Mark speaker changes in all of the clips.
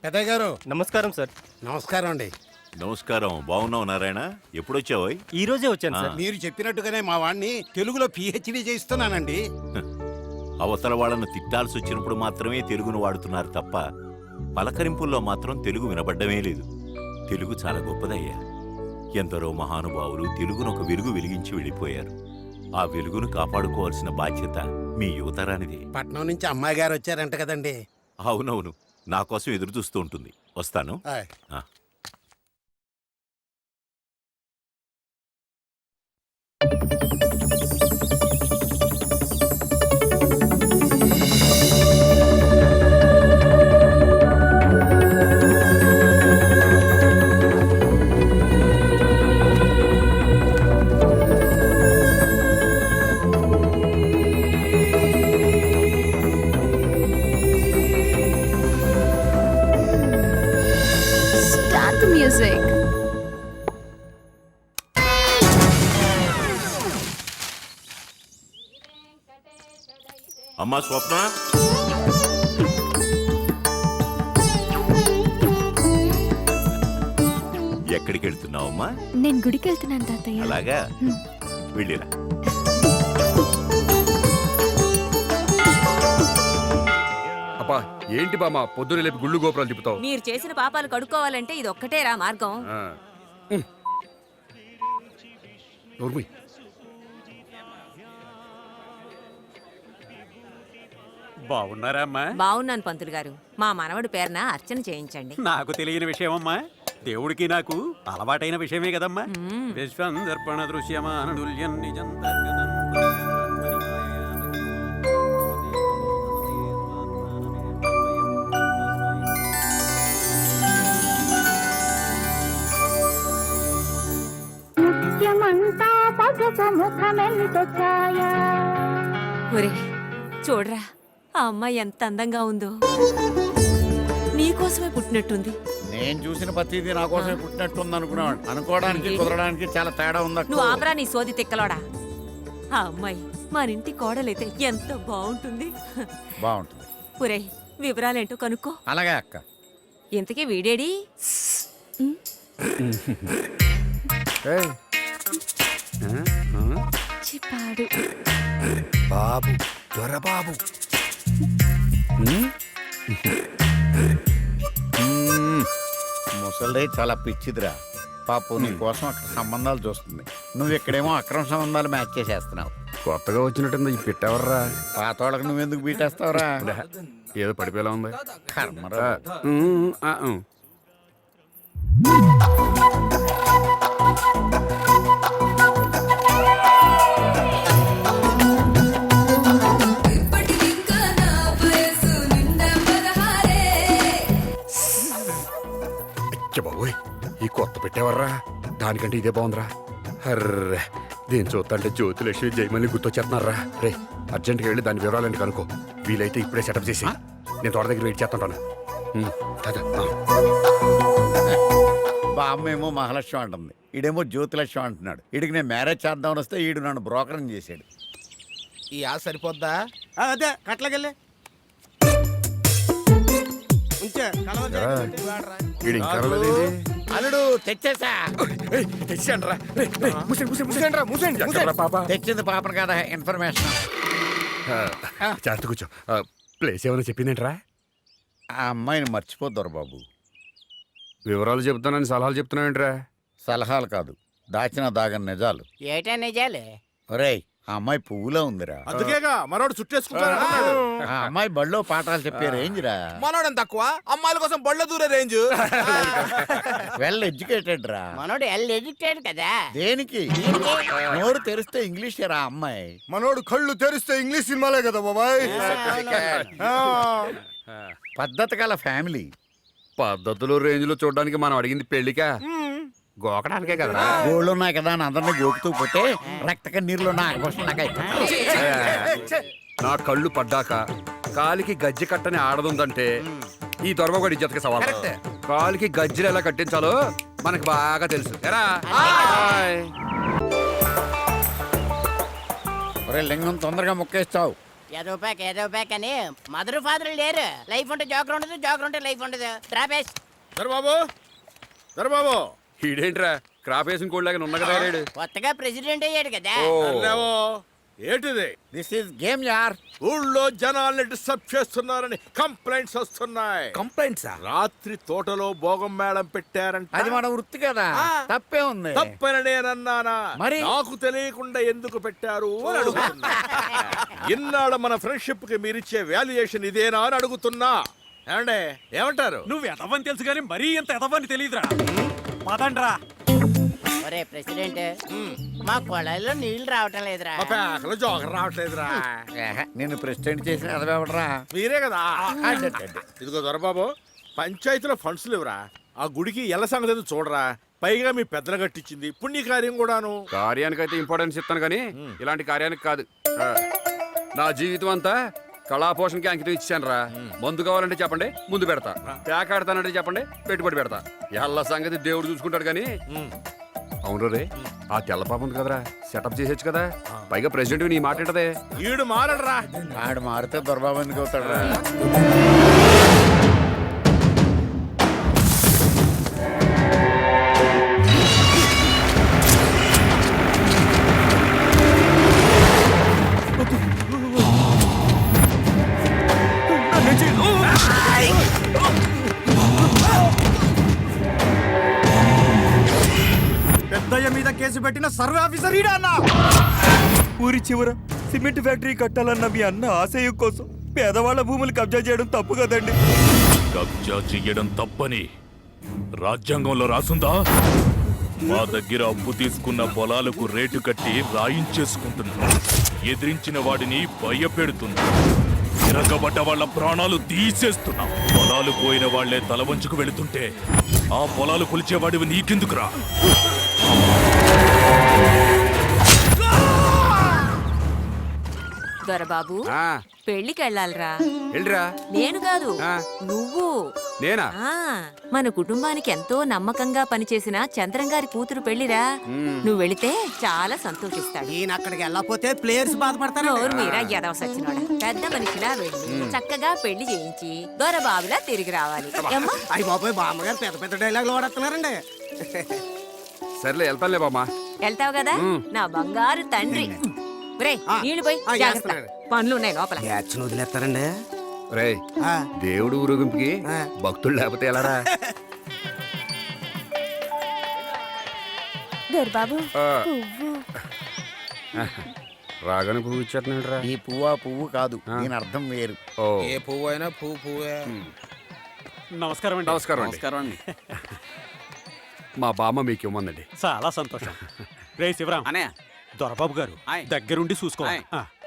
Speaker 1: పెద్దయ్య గారు
Speaker 2: నమస్కారం సార్.
Speaker 1: నమస్కారం అండి.
Speaker 3: నమస్కారం. బాగున్నావు నారాయణ? ఎప్పుడొచ్చావు?
Speaker 2: ఈ రోజే వచ్చాను సార్.
Speaker 1: మీరు చెప్పినట్టుగానే మా వాడిని తెలుగులో పిహెచ్డి చేయిస్తున్నానండి.
Speaker 3: అవతల వాళ్ళను తిట్టాల్సి వచ్చినప్పుడు మాత్రమే తెలుగును వాడుతున్నారు తప్ప పలకరింపుల్లో మాత్రం తెలుగు వినబడ్డమే లేదు. తెలుగు చాలా గొప్పదయ్యా. ఎందరో మహానుభావులు తెలుగును ఒక వెలుగు వెలిగించి వెళ్ళిపోయారు. ఆ వెలుగును కాపాడుకోవాల్సిన బాధ్యత మీ యువతరానిది.
Speaker 1: పట్నం నుంచి అమ్మాయి గారు వచ్చారంట కదండి.
Speaker 3: అవునవును, నా కోసం ఎదురు చూస్తూ ఉంటుంది. వస్తాను.
Speaker 1: ఆయ్.
Speaker 3: ఆ.
Speaker 4: Start the music.
Speaker 3: అమ్మా స్వప్న, ఎక్కడికి వెళ్తున్నావమ్మా?
Speaker 4: నేను గుడికి వెళ్తున్నాను తాతయ్య.
Speaker 3: అలాగా, వెళ్ళిరా.
Speaker 5: అబ్బా ఏంటి బామ్మ పొద్దున లేపి గుళ్ళు గోపురాలు తిప్పుతావు?
Speaker 6: మీరు చేసిన పాపాలు కడుక్కోవాలంటే ఇది ఒక్కటేరా మార్గం.
Speaker 5: నోర్మి.
Speaker 7: బాగున్నారా అమ్మా?
Speaker 6: బాగున్నాను పంతులు గారు. మా మనవడి పేరున అర్చన చేయించండి.
Speaker 7: నాకు తెలియని విషయం అమ్మా, దేవుడికి నాకు అలవాటైన విషయమే కదమ్మా. విశ్వందర్పణ దృశ్యమానుల్యం నిజం తర్గతం.
Speaker 6: ఒరే చూడరా, ఆ అమ్మాయి ఎంత అందంగా ఉందో. నీకోసమే పుట్టినట్టుంది.
Speaker 8: నేను చూసిన ప్రతిదీ నా కోసమే పుట్టినట్టుంది అనుకున్నాడు. అనుకోవడానికి కుదరడానికి చాలా తేడా ఉంది.
Speaker 6: నువ్వు ఆపరా నీ సోది తిక్కలోడా. ఆ అమ్మాయి మన ఇంటి కోడలైతే ఎంత బాగుంటుంది.
Speaker 8: బాగుంటుంది.
Speaker 6: ఒరే వివరాలేంటో కనుక్కో.
Speaker 8: అలాగే అక్క.
Speaker 6: ఇంతకీ వీడేడి?
Speaker 4: చిప్పాడు.
Speaker 1: బాబు దొరబాబు.
Speaker 8: ముసలి చాలా పిచ్చిదిరా పాపు. నీ కోసం అక్కడ సంబంధాలు చూస్తుంది. నువ్వు ఇక్కడేమో అక్రమ సంబంధాలు మ్యాచ్ చేసేస్తున్నావు.
Speaker 5: కొత్తగా వచ్చినట్టుంది ఈ పెట్టెవర్రా?
Speaker 8: పాతోళ్ళకి నువ్వెందుకు బీటేస్తావురా?
Speaker 5: ఏదో పడిపోయేలా ఉంది.
Speaker 8: కర్మరా.
Speaker 5: బాబోయ్ ఈ కొత్త పెట్టేవర్రా? దానికంటే ఇదే బాగుందిరా. అర్రే దీన్ని చూస్తుంటే జ్యోతిలక్ష్మి జయమల్ని గుర్తొచ్చేస్తున్నారా? రే అర్జెంట్గా వెళ్ళి దాని వివరాలని కనుకో. వీలైతే ఇప్పుడే సెటప్ చేసి నేను తోట దగ్గర వెయిట్ చేస్తుంటాను.
Speaker 8: బామ్మ ఏమో మహాలక్ష్మి అంటుంది, ఈడేమో జ్యోతిలక్ష్మి అంటున్నాడు. ఈడికి నేను మ్యారేజ్ చేద్దామని వస్తే ఈడు నన్ను బ్రోకరం చేశాడు.
Speaker 1: ఈ ఆశ సరిపోద్దా?
Speaker 2: అదే కట్లకెళ్ళే
Speaker 8: అల్లుడు తెచ్చేసా. తెచ్చింది పాపను కదా, ఇన్ఫర్మేషన్.
Speaker 5: చేస్త కూర్చో. ప్లేస్ ఏమైనా చెప్పిందేంట్రా?
Speaker 8: ఆ అమ్మాయిని మర్చిపోద్దారు బాబు.
Speaker 5: వివరాలు చెప్తానని సలహాలు చెప్తున్నావేంట్రా?
Speaker 8: సలహాలు కాదు, దాచిన దాగని నిజాలు.
Speaker 6: ఏటా నిజాలే?
Speaker 8: ఒరేయ్ ఆ అమ్మాయి పువ్వులో ఉందిరా.
Speaker 2: అందుకేగా మనోడు చుట్టేసుకుంటాడు.
Speaker 8: ఆ అమ్మాయి బడిలో పాఠాలు చెప్పే రేంజ్ రా.
Speaker 2: మనోడు తక్కువ, అమ్మాయిల కోసం బళ్ళ దూరే రేంజ్.
Speaker 8: వెల్ ఎడ్యుకేటెడ్ రా.
Speaker 6: మనోడు ఎల్ ఎడ్యుకేటెడ్ కదా.
Speaker 8: దేనికి? నోరు తెరిస్తే ఇంగ్లీష్ రా అమ్మాయి.
Speaker 2: మనోడు కళ్ళు తెరిస్తే ఇంగ్లీష్ సినిమాలే కదా బాబాయ్.
Speaker 8: పద్ధతి గల ఫ్యామిలీ.
Speaker 5: పద్ధతులు రేంజ్ లో చూడడానికి మనం అడిగింది పెళ్లికా, గోకడానికే కదా.
Speaker 8: గోళ్ళు ఉన్నాయి కదా అని అందరినీ గోకుతూ పోతే రక్త నీరులో నా ఆకర్షణ
Speaker 5: నా కళ్ళు పడ్డాక కాలికి గజ్జి కట్టని ఆడదుందంటే ఈ దొరమగడి ఇజ్జతకి సవాల్. కాలికి గజ్జలు ఎలా కట్టించాలో మనకు బాగా తెలుసు.
Speaker 8: లింగం తొందరగా మొక్కేస్తావు.
Speaker 9: ఏదో ప్యాక్ అని మదర్ ఫాదర్ లేరు. లైఫ్ ఉంటే జోకర్ ఉండదు, జోకర్ ఉంటే లైఫ్ ఉండదు. ట్రాపేస్
Speaker 2: దొరబాబు దొరబాబు
Speaker 5: ఈడేంట్రా క్రాప్ వేసిన కోళ్ళగా ఉన్న కదా రేడు
Speaker 9: కొత్తగా ప్రెసిడెంట్ అయ్యాడు కదా.
Speaker 2: అల్లేవో ఏంటిది?
Speaker 8: దిస్ ఇస్ గేమ్ యార్.
Speaker 2: ఊళ్ళో జనాల్ని డిస్టర్బ్ చేస్తున్నారని కంప్లైంట్స్ వస్తున్నాయి.
Speaker 8: కంప్లైంట్సా?
Speaker 2: రాత్రి తోటలో భోగం మేళం పెట్టారంట.
Speaker 8: అది మన వృత్తి కదా, తప్పే ఉంది.
Speaker 2: తప్పని నేనన్నానా?
Speaker 8: మరి?
Speaker 2: నాకు తెలియకుండా ఎందుకు పెట్టారు అని అడుగుతున్నా. ఇన్నాళ్ళ మన ఫ్రెండ్షిప్ కి మీరిచ్చే వాల్యుయేషన్ ఇదేనా అని అడుగుతున్నా. ఏమండే ఏమంటారు?
Speaker 7: నువ్వు ఎదవని తెలుసు కానీ మరీ ఎంత ఎదవని తెలియదురా. పదండ్రా.
Speaker 9: ఒరే ప్రెసిడెంట్, మా కొళాయిలో నీళ్లు రావటం లేదురా.
Speaker 2: మా పేకలో జోకర్ రావట్లేదురా.
Speaker 8: నిన్ను ప్రెసిడెంట్ చేసిన అదవడరా.
Speaker 2: మీరే కదా. ఇదిగో దొరబాబు, పంచాయతీలో ఫండ్స్ లేవురా. ఆ గుడికి ఎల్ల సంగతి ఏదో చూడరా. పైగా మీ పెద్దలు కట్టించింది పుణ్యకార్యం కూడాను.
Speaker 5: కార్యానికైతే ఇంపార్టెన్స్ ఇస్తాను కానీ ఇలాంటి కార్యానికి కాదు. నా జీవితం అంతా కళాపోషణకి అంకితం ఇచ్చాను రా. మందు కావాలంటే చెప్పండి, ముందు పెడతా. పేకాడతానంటే చెప్పండి, పెట్టుబడి పెడతా. ఎల్ల సంగతి దేవుడు చూసుకుంటాడు కానీ. అవును రే, ఆ తెల్ల పాప ఉంది కదరా, సెటప్ చేసేచ్చు కదా. పైగా ప్రెసిడెంట్ నీ మాట ఏంటదే?
Speaker 2: ఈడు మారడరా.
Speaker 8: ఆడు మారితే దొరబాబు ఎందుకు అవుతాడు రా?
Speaker 1: పెద్దయ్య మీద కేసు పెట్టిన సర్వే ఆఫీసర్ ఈడా అన్న.
Speaker 10: ఊరి చివర సిమెంట్ ఫ్యాక్టరీ కట్టాలన్న మీ అన్న ఆశయం కోసం పేదవాళ్ల భూములు కబ్జా చేయడం తప్పు కదండి.
Speaker 11: కబ్జా చెయ్యడం తప్పని రాజ్యాంగంలో రాసుందా? మా దగ్గర అప్పు తీసుకున్న పొలాలకు రేటు కట్టి రాయించేసుకుంటున్నా. ఎదిరించిన వాడిని భయపెడుతున్నా. తిరగబడ్డ వాళ్ళ ప్రాణాలు తీసేస్తున్నా. పొలాలు పోయిన వాళ్లే తల వంచుకు వెళుతుంటే ఆ పొలాలు కొలిచేవాడివి నీకెందుకురా?
Speaker 6: దొరబాబు, పెళ్లికి వెళ్ళాలిరా.
Speaker 5: వెళ్ళిరా.
Speaker 6: నేను కాదు, నువ్వు.
Speaker 5: నేనా?
Speaker 6: ఆ మన కుటుంబానికి ఎంతో నమ్మకంగా పనిచేసిన చంద్రం గారి కూతురు పెళ్లిరా. నువ్వు వెళితే చాలా సంతోషిస్తాడు.
Speaker 1: ఈయన అక్కడికి వెళ్ళకపోతే ప్లేయర్స్ బాధపడతారు.
Speaker 6: నోరు మీరా ఎదవ సచ్చినోడా. పెద్ద మనిషిలా వెళ్ళి చక్కగా పెళ్లి చేయించి దొరబాబులా తిరిగి రావాలి. ఏమ్మా?
Speaker 1: అయ్యి బాబోయ్, బామ్మగారు పెద్ద పెద్ద డైలాగులు వాడుతున్నారండి.
Speaker 5: సర్లే వెళ్తానులే బామ్మా.
Speaker 6: వెళ్తావు కదా నా బంగారు తండ్రి. రే నీళ్లు పోయి జాగ్రత్త, పనులు ఉన్నాయి లోపల.
Speaker 1: యాక్షన్ వదిలేస్తారండి.
Speaker 5: రే, దేవుడు ఊరేగింపుకి భక్తులు లేకపోతే ఎలారా?
Speaker 4: దొరబాబు
Speaker 5: ఆ.
Speaker 4: పువ్వు.
Speaker 5: రాగానే పువ్వు ఇచ్చేస్తున్నాడు రా.
Speaker 8: ఈ పువ్వు పువ్వు కాదు, దీని అర్థం వేరు.
Speaker 5: ఓ,
Speaker 2: ఏ పువ్వు అయినా పువ్వే.
Speaker 7: నమస్కారం అండి.
Speaker 5: నమస్కారం అండి. మా బామ్మ మీకు ఇవ్వమందండి.
Speaker 7: చాలా సంతోషం. రే శివరాం, దొరబాబు గారు దగ్గరుండి చూసుకోవాలి.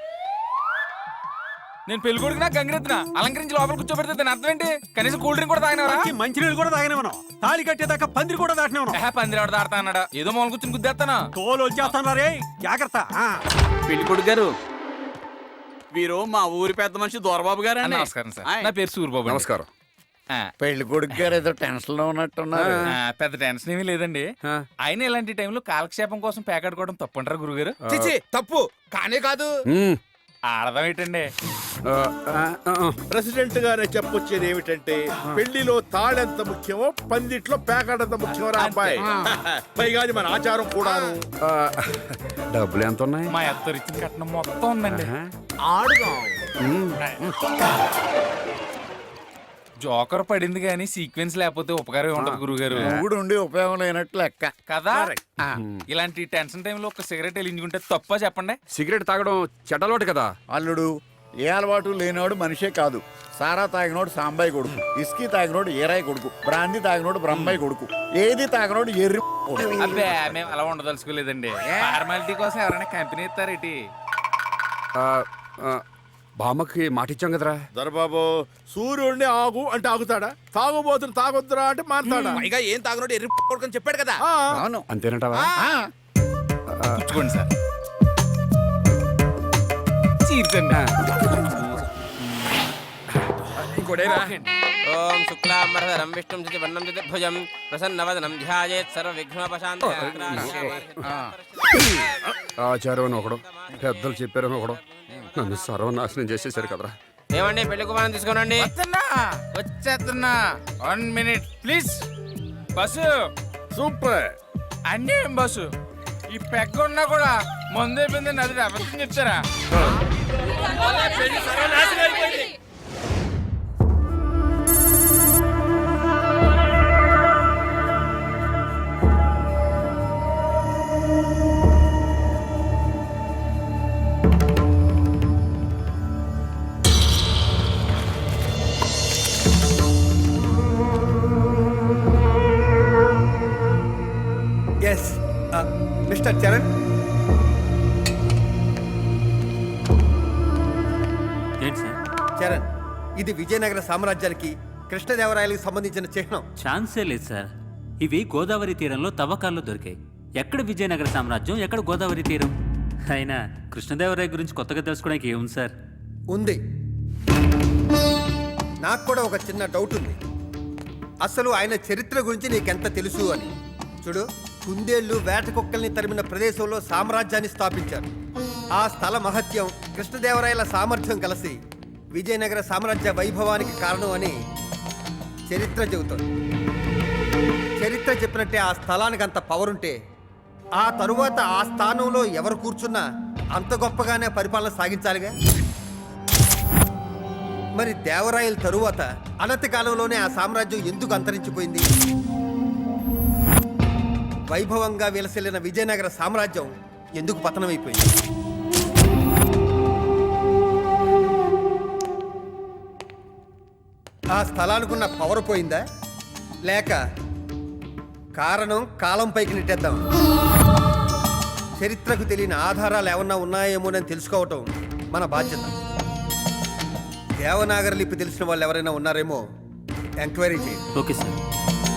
Speaker 10: నేను పెళ్లి కొడుకునా గంగిరెద్దునా అలంకరించి లోపల కూర్చోబెడితే దాని అర్థం ఏంటి? కనీసం కూల్ డ్రింక్ కూడా తాగినవరా?
Speaker 7: మంచినీళ్ళు కూడా తాగినవనం. తాళి కట్టేదాకా పందిరి కూడా దాటినవనం.
Speaker 10: పందిరి ఆడ దాడతా అన్నాడా? ఏదో మూల కూర్చొని గుద్దేస్తానా?
Speaker 7: తోలు వచ్చేస్తాను రే, జాగ్రత్త.
Speaker 10: పెళ్లి కొడుకు గారు, వీరు మా ఊరి పెద్ద మనిషి దొరబాబు గారు. నమస్కారం సార్, నా పేరు సూరిబాబు.
Speaker 5: నమస్కారం.
Speaker 8: పెళ్లి కొడుకు గారు ఏదో టెన్షన్ లో ఉన్నట్టున్నారు.
Speaker 10: పెద్ద టెన్షన్ ఏమీ లేదండి. ఆయన ఇలాంటి టైంలో కాలక్షేపం కోసం పేకాడుకోవడం తప్పంటారా గురుగారు?
Speaker 2: తప్పు కానే కాదు.
Speaker 10: ఆడదాం ఏంటండి?
Speaker 2: ప్రెసిడెంట్ గానే చెప్పొచ్చేది ఏమిటంటే, పెళ్లిలో తాళెంత ముఖ్యమో పందిట్లో పేకాడంత ముఖ్యమో రా అబ్బాయి. పైగా అది మన ఆచారం కూడాను.
Speaker 5: డబ్బులు ఎంత ఉన్నాయి?
Speaker 10: మా అత్త ఇచ్చిన కట్నం మొత్తం ఉందండి.
Speaker 2: ఆడుగా
Speaker 10: జోకర్ పడింది కానీ సీక్వెన్స్ లేకపోతే ఉపకారం ఉండదు గురుగారు.
Speaker 8: మూడు ఉండి ఉపయోగం లేనట్లు లెక్క
Speaker 10: కదా. ఇలాంటి టెన్షన్ టైంలో ఒక సిగరెట్ వెలిగించుకుంటే తప్ప చెప్పండి.
Speaker 5: సిగరెట్ తాగడం చెడ్డలోటు కదా.
Speaker 8: అల్లుడు, ఏ అలవాటు లేనివాడు మనిషే కాదు. సారా తాగినోడు సాంబాయి కొడుకు, ఇస్కీ తాగినోడు ఏరాయి కొడుకు, బ్రాందీ తాగినోడు బ్రహ్మాయి కొడుకు, ఏది తాగినోడు ఎర్రి కొడుకు.
Speaker 10: అబ్బే, మేము అలా ఉండదలుచుకోలేదండి. ఫార్మాలిటీ కోసం ఎవరైనా కంపెనీ ఇస్తారేటి?
Speaker 5: బామ్మకి మాట ఇచ్చాం కదరా.
Speaker 2: దొరబాబు, సూర్యుడిని ఆగు అంటే ఆగుతాడా? తాగుబోతుని తాగొద్దురా అంటే మారుతాడా?
Speaker 1: పైగా ఏం తాగనోడు ఎర్రి కొడుకని చెప్పాడు కదా.
Speaker 8: అవును,
Speaker 5: అంతేనంటావా?
Speaker 10: పుచ్చుకోండి సార్. చీర్చండి.
Speaker 5: ఇంకోటేరా.
Speaker 9: ఓం శుక్లాంబరధరం విష్ణుం వర్ణం చతుర్భుజం ప్రసన్నవదనం ధ్యాయేత్ సర్వవిఘ్నోపశాంతయే.
Speaker 5: ఆచారం అని ఒకడు, పెద్దలు చెప్పారని ఒకడు. నన్ను సర్వనాశనం చేసేశారు కదరా.
Speaker 10: ఏమండి పెళ్లి కుమారం తీసుకోనండి.
Speaker 8: వచ్చేస్తున్నా 1 minute ప్లీజ్.
Speaker 10: Bus
Speaker 2: super.
Speaker 10: అన్నీ బస్సు. ఈ పెగ్గ ఉన్నా కూడా ముందైపోయింది నది అబద్ధం చెప్తారా?
Speaker 1: ఎస్ మిస్టర్ చరణ్,
Speaker 7: ఏంటి సార్?
Speaker 1: చరణ్, ఇది విజయనగర సామ్రాజ్యానికి కృష్ణదేవరాయలకు సంబంధించిన చిహ్నం.
Speaker 7: ఛాన్సే లేదు సార్. ఇవి గోదావరి తీరంలో తవ్వకాల్లో దొరికాయి. ఎక్కడ విజయనగర సామ్రాజ్యం, ఎక్కడ గోదావరి తీరం? అయినా కృష్ణదేవరాయ గురించి కొత్తగా తెలుసుకోవడానికి ఏముంది సార్?
Speaker 1: ఉంది. నాకు కూడా ఒక చిన్న డౌట్ ఉంది. అసలు ఆయన చరిత్ర గురించి నీకెంత తెలుసు అని. చూడు, కుందేళ్లు వేట కుక్కల్ని తరిమిన ప్రదేశంలో సామ్రాజ్యాన్ని స్థాపించారు. ఆ స్థల మహత్యం, కృష్ణదేవరాయల సామర్థ్యం కలిసి విజయనగర సామ్రాజ్య వైభవానికి కారణం అని చరిత్ర చెబుతుంది. చరిత్ర చెప్పినట్టే ఆ స్థలానికి అంత పవర్ ఉంటే ఆ తరువాత ఆ స్థానంలో ఎవరు కూర్చున్నా అంత గొప్పగానే పరిపాలన సాగించాలిగా. మరి దేవరాయల తరువాత అనతి కాలంలోనే ఆ సామ్రాజ్యం ఎందుకు అంతరించిపోయింది? వైభవంగా విలసిల్లిన విజయనగర సామ్రాజ్యం ఎందుకు పతనమైపోయింది? ఆ స్థలానికున్న పవర్ పోయిందా, లేక కారణం కాలం పైకి నెట్టేద్దాం? చరిత్రకు తెలియని ఆధారాలు ఏమన్నా ఉన్నాయేమోనని తెలుసుకోవటం మన బాధ్యత. దేవనాగరి లిపి తెలిసిన వాళ్ళు ఎవరైనా ఉన్నారేమో ఎంక్వైరీ చేయండి.
Speaker 7: Okay sir.